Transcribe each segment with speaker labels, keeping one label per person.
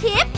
Speaker 1: ทิพย์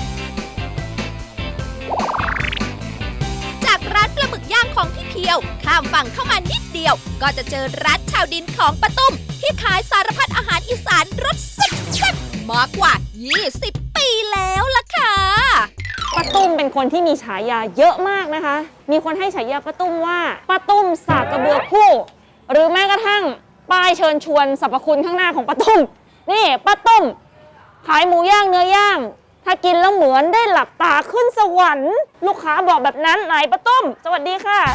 Speaker 1: จากร้านปลาหมึกย่างของพี่เพียวข้ามฝั่งเข้ามานิดเดียวก็จะเจอร้านชาวดินของป้าตุ้มที่ขายสารพัดอาหารอีสานรสแซ่บๆมากกว่า 20 ปีแล้วล่ะค่ะ
Speaker 2: ป้าตุ้มเป็นคนที่มีฉายาเยอะมากนะคะมีคนให้ฉายาป้าตุ้มว่าป้าตุ้มสากกระเบือคู่หรือแม้กระทั่งป้ายเชิญชวนสรรพคุณข้างหน้าของป้าตุ้มนี่ป้าตุ้มขายหมูย่างเนื้อย่างถ้ากินแล้วเหมือนได้หลับตาขึ้นสวรรค์ลูกค้าบอกแบบนั้นไหนป้าตุ้มสวัสดีค่ะ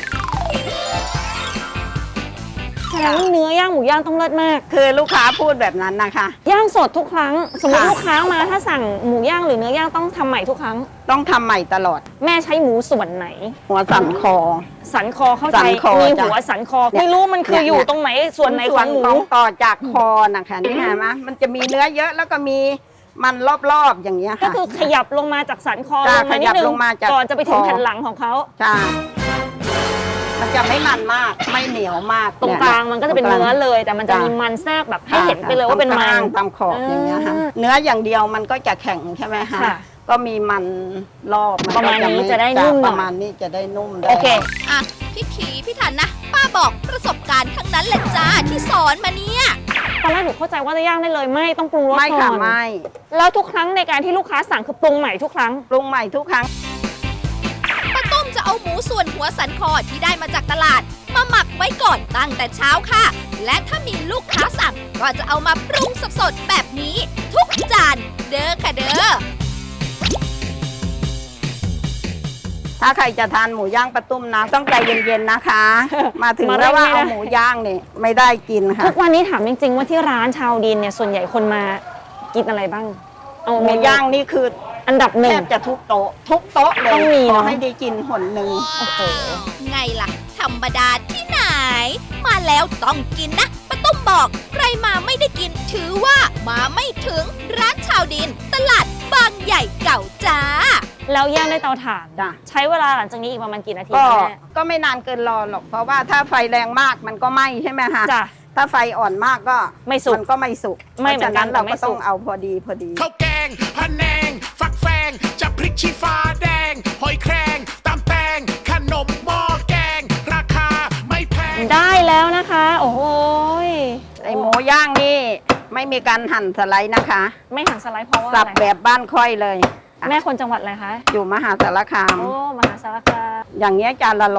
Speaker 2: แสดงว่าเนื้อย่างหมูย่างต้องเลิศมาก
Speaker 3: คือลูกค้าพูดแบบนั้นนะคะ
Speaker 2: ย่างสดทุกครั้งสมมติลูกค้ามาถ้าสั่งหมูย่างหรือเนื้อย่างต้องทำใหม่ทุกครั้ง
Speaker 3: ต้องทำใหม่ตลอด
Speaker 2: แม่ใช้หมูส่วนไหน
Speaker 3: หัวสันคอ
Speaker 2: สันคอเข้าใจมีหัวสันคอไม่รู้มันคืออยู่ตรงไหนส่วนไหนของหมู
Speaker 3: ต่อจากคอนะคะนี่เห็นไหมมันจะมีเนื้อเยอะแล้วก็มีมันรอบๆอย่างเงี้ยค่ะ
Speaker 2: ก็คือขยับลงมาจากสันคอลงมานิดนึงก่อนจะไปถึงแผ่นหลังของเขา
Speaker 3: ใช่มันจะไม่มันมากไม่เหนียวมาก
Speaker 2: ตรงกลางมันก็จะเป็นเนื้อเลยแต่มันจะมีมันแทรกแบบให้เห็นไปเลยว่าเป็นมัน
Speaker 3: ตามขอบอย่างเงี้ยค่ะเนื้ออย่างเดียวมันก็จะแข็งใช่ไหมคะก็มีมันรอบ
Speaker 2: ประมาณนี้จะได้นุ่ม
Speaker 3: ประมาณนี้จะได้นุ่ม
Speaker 2: โอเค
Speaker 1: อ่ะพี่ทันนะป้าบอกประสบการณ์ทั้งนั้นแหละจ้าที่สอนมาเนี่ย
Speaker 2: ตอนแรกหนูเข้าใจว่าจะย่างได้เลยไม่ต้องปรุงรสก่อน
Speaker 3: ไม่ค่ะไม่
Speaker 2: แล้วทุกครั้งในการที่ลูกค้าสั่งคือปรุงใหม่ทุกครั้ง
Speaker 3: ปรุงใหม่ทุกครั้ง
Speaker 1: ป้าต้มจะเอาหมูส่วนหัวสันคอที่ได้มาจากตลาดมาหมักไว้ก่อนตั้งแต่เช้าค่ะและถ้ามีลูกค้าสั่งก็จะเอามาปรุงสดๆแบบนี้ทุกจานเด้อค่ะเด้อ
Speaker 3: ถ้าใครจะทานหมูย่างป้าตุ้มนะต้องใจเย็นๆนะคะมาถึงแล้วว่าเอาหมูย่างนี่ไม่ได้กินค่ะ
Speaker 2: ทุกวันนี้ถามจริงๆว่าที่ร้านชาวดินเนี่ยส่วนใหญ่คนมากินอะไรบ้าง
Speaker 3: เอาหมูย่างนี่คือ
Speaker 2: อันดับหนึ่ง
Speaker 3: แทบจะทุกโต๊ะเลย
Speaker 2: ต้องมี
Speaker 3: ขอให้ได้กินหนหนึ่ง
Speaker 2: โอ้โห
Speaker 1: ไงล่ะธรรมดาที่ไหนมาแล้วต้องกินนะป้าตุ้มบอกใครมาไม่ได้กินถือว่ามาไม่ถึงร้านชาวดินตลาดบางใหญ่เก่าจ้า
Speaker 2: แล้วย่างด้วยเตาถ่านใช้เวลาหลังจากนี้อีกประมาณกี่นาที
Speaker 3: ก็ไม่นานเกินรอหรอกเพราะว่าถ้าไฟแรงมากมันก็ไหม้ใช่ไหมคะถ้าไฟอ่อนมากก็
Speaker 2: ไม่สุก
Speaker 3: มันก็ไม่สุก
Speaker 2: ไม่เหมือนกัน
Speaker 3: เราก็ต้องเอาพอดี
Speaker 4: ข้าวแกงพะแนงฟักแฟงจะพริกชี้ฟ้าแดงหอยแครงตำแตงขนมหม้อแกงราคาไม่แพง
Speaker 2: ได้แล้วนะคะโอ้โห
Speaker 3: ไอหมูย่างนี่ไม่มีการหั่นสไลด์นะคะ
Speaker 2: ไม่หั่นสไลด์เพราะว่า
Speaker 3: สับแบบบ้านค่อยเลย
Speaker 2: แม่คนจังหวัดอะไรคะ
Speaker 3: อยู่มหาสารคาม
Speaker 2: โอ้มหาสารคาม
Speaker 3: อย่างเงี้ยจานละ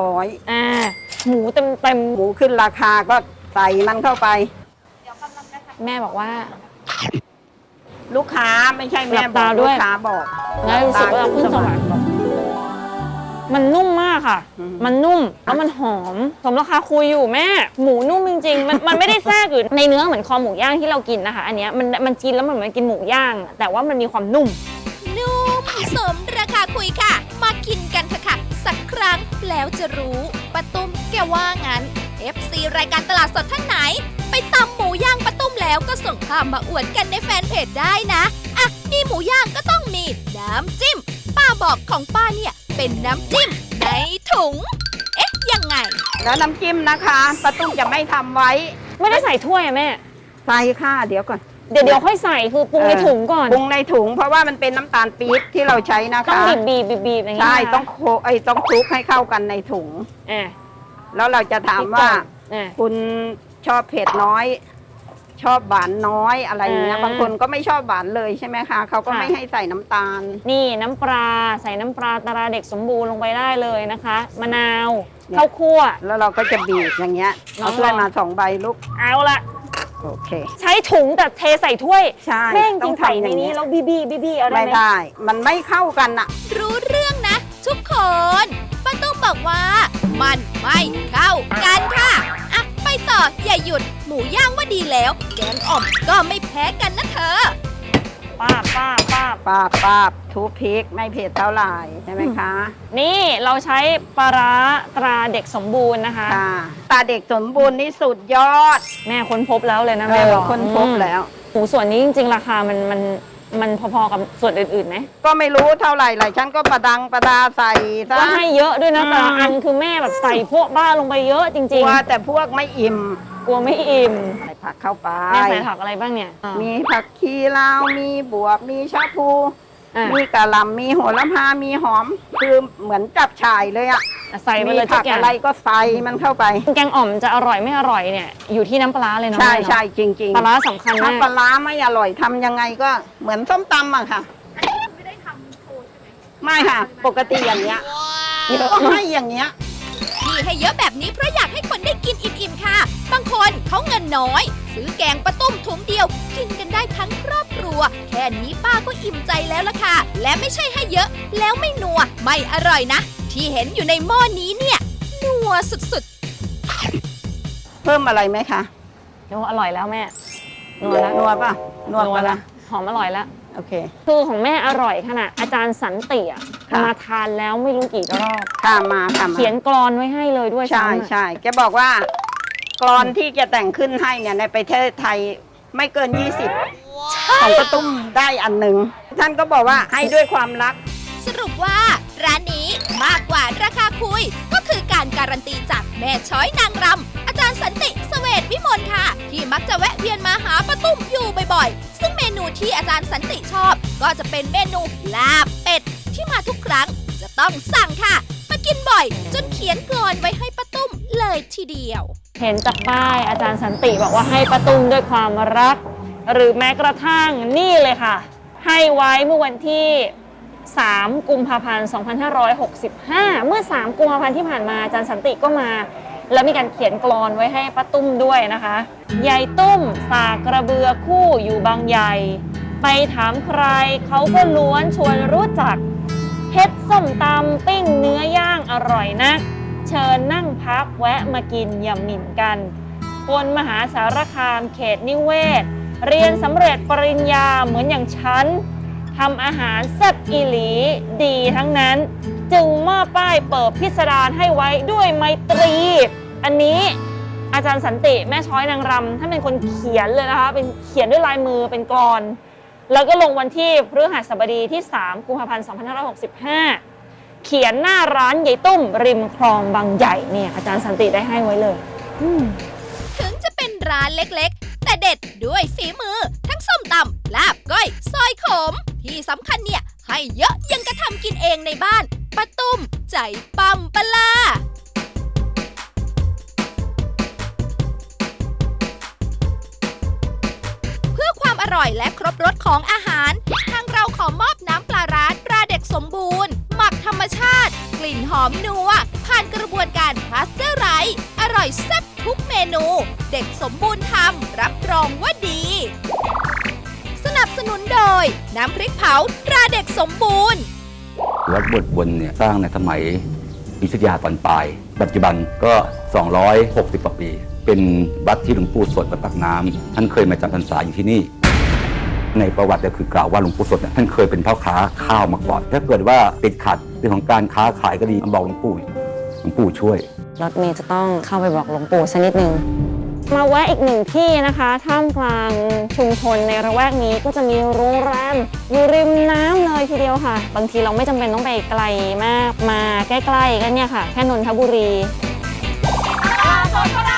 Speaker 3: 100
Speaker 2: หมูเต็ม
Speaker 3: หมูขึ้นราคาก็ใส่มันเข้าไป
Speaker 2: แม่บอกว่า
Speaker 3: ลูกค้าไม่ใช่แม่บอกลูกค้าบอก
Speaker 2: แล้วรู้สึกว่าขึ้นสวรรค์มันนุ่มมากค่ะมันนุ่มแล้วมันหอมสมราคาคุยอยู่แม่หมูนุ่มจริงๆมันไม่ได้แทรกอยู่ในเนื้อเหมือนคอหมูย่างที่เรากินนะคะอันเนี้ยมันกินแล้วมันเหมือนกินหมูย่างแต่ว่ามันมีความนุ่ม
Speaker 1: สมราคาคุยค่ะมากินกันเถอะค่ะสักครั้งแล้วจะรู้ป้าตุ้มแกว่างั้น FC รายการตลาดสดท่านไหนไปตำหมูย่างป้าตุ้มแล้วก็ส่งภาพมาอวดกันในแฟนเพจได้นะอ่ะมีหมูย่างก็ต้องมีน้ำจิ้มป้าบอกของป้าเนี่ยเป็นน้ำจิ้มในถุงเอ๊ะยังไง
Speaker 3: แล้วน้ำจิ้มนะคะป้าตุ้มจะไม่ทำไว้
Speaker 2: ไม่ได้ใส่ถ้วยอะแม่
Speaker 3: ใส่ค่ะเดี๋ยวก่อน
Speaker 2: เดี๋ยวค่อยใส่คือปรุงในถุงก่อน
Speaker 3: ปรุงในถุงเพราะว่ามันเป็นน้ำตาลปี๊บที่เราใช้นะคะ
Speaker 2: ต้องบีบอย่างนี้
Speaker 3: ใช่ต้องคลุกให้เข้ากันในถุงแล้วเราจะถามว่าคุณชอบเผ็ดน้อยชอบหวานน้อยอะไรเงี้ยบางคนก็ไม่ชอบหวานเลยใช่ไหมคะเขาก็ไม่ให้ใส่น้ำตาล
Speaker 2: นี่น้ำปลาใส่น้ำปลาตราเด็กสมบูรณ์ลงไปได้เลยนะคะมะนาวข้าวคั่ว
Speaker 3: แล้วเราก็จะบีบอย่างเงี้ยเอาถ้วยมา2 ใบลูก
Speaker 2: เอาละ
Speaker 3: โอเค
Speaker 2: ใช้ถุงแต่เทใส่ถ้วย
Speaker 3: ใช่
Speaker 2: แม่งกินใส่ในนี้แล้วบีเอาได้ไหม
Speaker 3: ไม่ได้มันไม่เข้ากันอะ
Speaker 1: รู้เรื่องนะทุกคนป้าตุ้มบอกว่ามันไม่เข้ากันค่ะอ่ะไปต่ออย่าหยุดหมูย่างว่าดีแล้วแกงอ่อมก็ไม่แพ้กันนะเธอ
Speaker 2: ป้าบ
Speaker 3: ทุบพริกไม่เผ็ดเท่าไหร่ใช่ไหมคะ
Speaker 2: นี่เราใช้ปลาร้าตราเด็กสมบูรณ์นะคะ
Speaker 3: ตราเด็กสมบูรณ์นี่สุดยอด
Speaker 2: แม่ค้นพบแล้วเลยนะแม่บอก
Speaker 3: ค้นพบแล้ว
Speaker 2: หมูส่วนนี้จริงๆราคามันพอๆกับส่วนอื่นๆไหม
Speaker 3: ก็ไม่รู้เท่าไหร่เลยฉันก็ประดาใส่ซะ
Speaker 2: ก็ให้เยอะด้วยนะแต่อันคือแม่แบบใส่พวกบ้าลงไปเยอะจริงๆ
Speaker 3: ว่าแต่พวกไม่อิ่ม
Speaker 2: กลัวไม่อิ่ม
Speaker 3: ใส่ผักเข้าไป
Speaker 2: แม่ใส่ผักอะไรบ้างเนี่ย
Speaker 3: มีผักชีลาวมีบวบมีชะพูมีกะหล่ำมีโหระพามีหอมคือเหมือนจับฉ่ายเลยอะ
Speaker 2: ใส่ไป
Speaker 3: มี
Speaker 2: เลยทุ
Speaker 3: ผั
Speaker 2: ก
Speaker 3: ก
Speaker 2: อย่าง
Speaker 3: อะไรก็ใส่มันเข้าไป
Speaker 2: แกงอ่อมจะอร่อยไม่อร่อยเนี่ยอยู่ที่น้ำปลาร้าเลยเนาะ
Speaker 3: ใช่
Speaker 2: แม่เนาะ
Speaker 3: ใช่จริงๆ
Speaker 2: ปลาร้าสำคัญ
Speaker 3: ถ้าม
Speaker 2: าก
Speaker 3: ปลาร้าไม่อร่อยทำยังไงก็เหมือนส้มตำอะค่ะไม่ค่ะ ปกติอย่างเงี้ยก็ให้อย่างเงี้ย
Speaker 1: ที่ให้เยอะแบบนี้เพราะอยากให้คนได้กินอิ่มๆค่ะ บางคนเขาเงินน้อย ซื้อแกงปลาตุ้มถุงเดียว กินกันได้ทั้งครอบครัว แค่นี้ป้าก็อิ่มใจแล้วล่ะค่ะ และไม่ใช่ให้เยอะ แล้วไม่นัว ไม่อร่อยนะ ที่เห็นอยู่ในหม้อนี้เนี่ย นัวสุด
Speaker 3: เพิ่มอะไรไหมคะ
Speaker 2: นัวอร่อยแล้วแม่นัวแล้ว
Speaker 3: นัวป่ะนัว
Speaker 2: นัว
Speaker 3: ปะ
Speaker 2: แล้
Speaker 3: ล่ะ
Speaker 2: วหอมอร่อยแล้ว
Speaker 3: โอเค
Speaker 2: คือของแม่อร่อยขนาดอาจารย์สันติอะ
Speaker 3: ค่ะ
Speaker 2: มาทานแล้วไม่รู้กี่รอบ
Speaker 3: ค่ะมาค่ะมา
Speaker 2: เขียนกรอนไว้ให้เลยด้วย
Speaker 3: ใช่
Speaker 2: ซ้ำอะ
Speaker 3: ใช่แกบอกว่ากรอนที่แกแต่งขึ้นให้เนี่ยในประเทศไทยไม่เกิน 20ของกระตุ้มได้อันหนึ่งท่านก็บอกว่าให้ด้วยความรัก
Speaker 1: ๆ สรุปว่าร้านนี้มากกว่าราคาคุย ก็คือการการันตีจากแม่ช้อยนางรำอาจารย์สันติเสวตวิมลค่ะ ที่มักจะแวะเวียนมาหาป้าตุ้มอยู่บ่อยๆ ซึ่งเมนูที่อาจารย์สันติชอบ ก็จะเป็นเมนูลาบเป็ด ที่มาทุกครั้งจะต้องสั่งค่ะ มากินบ่อย จนเขียนกลอนไว้ให้ป้าตุ้มเลยทีเดียว
Speaker 2: เห็นจากป้ายอาจารย์สันติบอกว่าให้ป้าตุ้มด้วยความรัก หรือแม้กระทั่งนี่เลยค่ะ ให้ไว้เมื่อวันที่ 3 กุมภาพันธ์ 2565 เมื่อ 3 กุมภาพันธ์ที่ผ่านมาอาจารย์สันติก็มา แล้วมีการเขียนกลอนไว้ให้ป้าตุ้มด้วยนะคะยายตุ้มสากกระเบือคู่อยู่บางใหญ่ ไปถามใครเขาก็ล้วนชวนรู้จักเฮ็ดส้มตำปิ้งเนื้อย่างอร่อยนัก เชิญนั่งพักแวะมากินอย่าหมิ่นกันคนมหาสารคามเขตนิเวศ เรียนสำเร็จปริญญาเหมือนอย่างฉันทำอาหารแซ่บอีหลีดีทั้งนั้น จึงมอบป้ายเปิดพิสดารให้ไว้ด้วยไมตรี อันนี้อาจารย์สันติแม่ช้อยนางรำท่านเป็นคนเขียนเลยนะคะเป็นเขียนด้วยลายมือเป็นกลอน แล้วก็ลงวันที่พฤหัสบดีที่ 3 กุมภาพันธ์ 2565 เขียนหน้าร้านยายตุ้มริมคลองบางใหญ่เนี่ยอาจารย์สันติได้ให้ไว้เลย
Speaker 1: ถึงจะเป็นร้านเล็กๆ แต่เด็ดด้วยฝีมือ ทั้งส้มตำลาบก้อย ซอยขม ที่สำคัญเนี่ย ให้เยอะยังกระทำกินเองในบ้านป้าตุ้มใจปั๊มปะลา เพื่อความอร่อยและครบรสของอาหาร ทางเราขอมอบน้ำปลาร้าตราเด็กสมบูรณ์ หมักธรรมชาติ กลิ่นหอมนัว ผ่านกระบวนการพาสเจอร์ไรส์อร่อยแซ่บทุกเมนู เด็กสมบูรณ์ทำรับรองว่าดี สนับสนุนโดย น้ำพริกเผาตราเด็กสมบูรณ์
Speaker 5: วัดบทวนเนี่ยสร้างในสมัยอยุธยาตอนปลาย ปัจจุบันก็ 260 กว่าปี เป็นวัดที่หลวงปู่สดวัดปากน้ำท่านเคยมาจำพรรษาอยู่ที่นี่ ในประวัติเนี่ยคือกล่าวว่าหลวงปู่สดเนี่ยท่านเคยเป็นพ่อค้าข้าวมาก่อน ถ้าเกิดว่าติดขัดเรื่องของการค้าขายก็ดีมาบอกหลวงปู่ช่วย
Speaker 2: รถเมย์จะต้องเข้าไปบอกหลวงปู่สักนิดนึงมาแวะอีกหนึ่งที่นะคะท่ามกลางชุมชนในระแวกนี้ก็จะมีโรงแรมอยู่ริมน้ำเลยทีเดียวค่ะบางทีเราไม่จำเป็นต้องไปไกลมากมาใกล้ๆกันเนี่ยค่ะแค่นนทบุรี